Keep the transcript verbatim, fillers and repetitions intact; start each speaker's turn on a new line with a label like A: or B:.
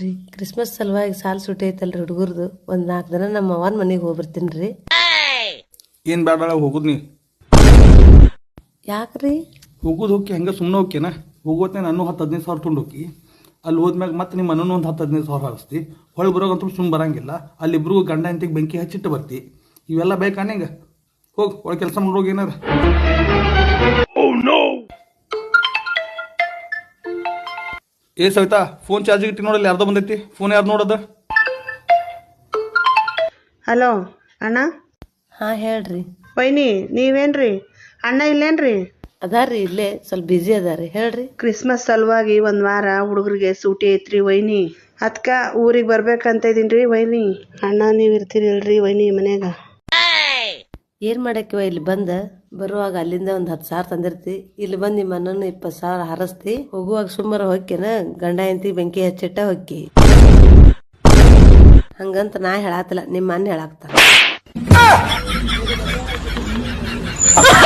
A: ರೀ ಕ್ರಿಸ್ಮಸ್ ಸಲುವಾಗಿ ಸಾಲ್ ಸುಟ್ಟಿ ಐತಲ್ರಿ ಹುಡುಗರ್ದು ಒಂದ್ ನಾಲ್ಕು ದಿನ ನಮ್ಮ ಅವನ್ ಮನೆಗೆ ಹೋಗ್ಬರ್ತೀನಿ ರೀ.
B: ಏನು ಬೇಡ ಹೋಗುದು ನೀ
A: ಯಾಕ್ರಿ?
B: ಹೋಗುದು ಹೋಗಿ ಹಂಗೆ ಸುಮ್ಮನೆ ಹೋಗ್ಯನ ಹೋಗೋತ್ನೇ ನಾನು ಹತ್ತು ಹದಿನೈದು ಸಾವಿರ ತೊಗೊಂಡು ಹೋಗಿ ಅಲ್ಲಿ ಹೋದ್ಮ್ಯಾಗ ಮತ್ತೆ ನಿಮ್ಮ ಮನೂ ಒಂದು ಹತ್ತು ಹದಿನೈದು ಸಾವಿರ ಹಾರಿಸ್ತಿ ಹೊಳೆ ಬರೋಗಂತೂ ಸುಮ್ಮನೆ ಬರಂಗಿಲ್ಲ. ಅಲ್ಲಿಬ್ರಿಗೂ ಗಂಡ ಇಂತಿಗೆ ಬೆಂಕಿ ಹಚ್ಚಿಟ್ಟು ಬರ್ತಿ. ಇವೆಲ್ಲ ಬೇಕಾ ನಿಂಗೆ? ಹೋಗಿ ಒಳಗೆ ಕೆಲಸ ಮಾಡೋಗಿ ಏನಾರ. ಏ ಸವಿತಾ ಫೋನ್ ಚಾರ್ಜಿಗೆ ಇಟ್ಟು ನೋಡಲ್ಲಿ ಯಾರ್ದೋ ಬಂದೈತಿ. ಫೋನ್ ಯಾರು ನೋಡೋದು?
C: ಹಲೋ ಅಣ್ಣ.
A: ಹಾ ಹೇಳ್ರಿ.
C: ವೈನಿ ನೀವೇನ್ರಿ? ಅಣ್ಣ ಇಲ್ಲೇನ್ರಿ?
A: ಅದಾರ್ರಿ ಇಲ್ಲೇ ಸ್ವಲ್ಪ ಬಿಜಿ ಅದಾರಿ. ಹೇಳ್ರಿ.
C: ಕ್ರಿಸ್ಮಸ್ ಸಲುವಾಗಿ ಒಂದ್ ವಾರ ಹುಡುಗರಿಗೆ ಸೂಟಿ ಐತ್ರಿ ವೈನಿ. ಅದ್ಕ ಊರಿಗೆ ಬರ್ಬೇಕಂತ ಇದೀನ್ರಿ ವೈನಿ. ಅಣ್ಣ ನೀವ್ ಇರ್ತೀರಿಲ್ರಿ ವೈನಿ ಮನ್ಯಾಗ?
A: ಏನ್ ಮಾಡಕ್ಕಿವ ಇಲ್ಲಿ ಬಂದ ಬರುವಾಗ ಅಲ್ಲಿಂದ ಒಂದ್ ಹತ್ತು ಸಾವಿರ ತಂದಿರ್ತಿ. ಇಲ್ಲಿ ಬಂದ್ ನಿಮ್ಮ ಅಣ್ಣನ ಇಪ್ಪತ್ತು ಸಾವಿರ ಹಾರಸ್ತಿ. ಹೋಗುವಾಗ ಸುಮ್ಮರ ಹೊಕ್ಕಿನ ಗಂಡ ಎಂತಿ ಬೆಂಕಿ ಹಚ್ಚಿಟ್ಟ ಹೊಕ್ಕಿ. ಹಂಗಂತ ನಾ ಹೇಳಾತಿಲ್ಲ, ನಿಮ್ಮ ಅಣ್ಣ ಹೇಳಾಕ್ತಾರ.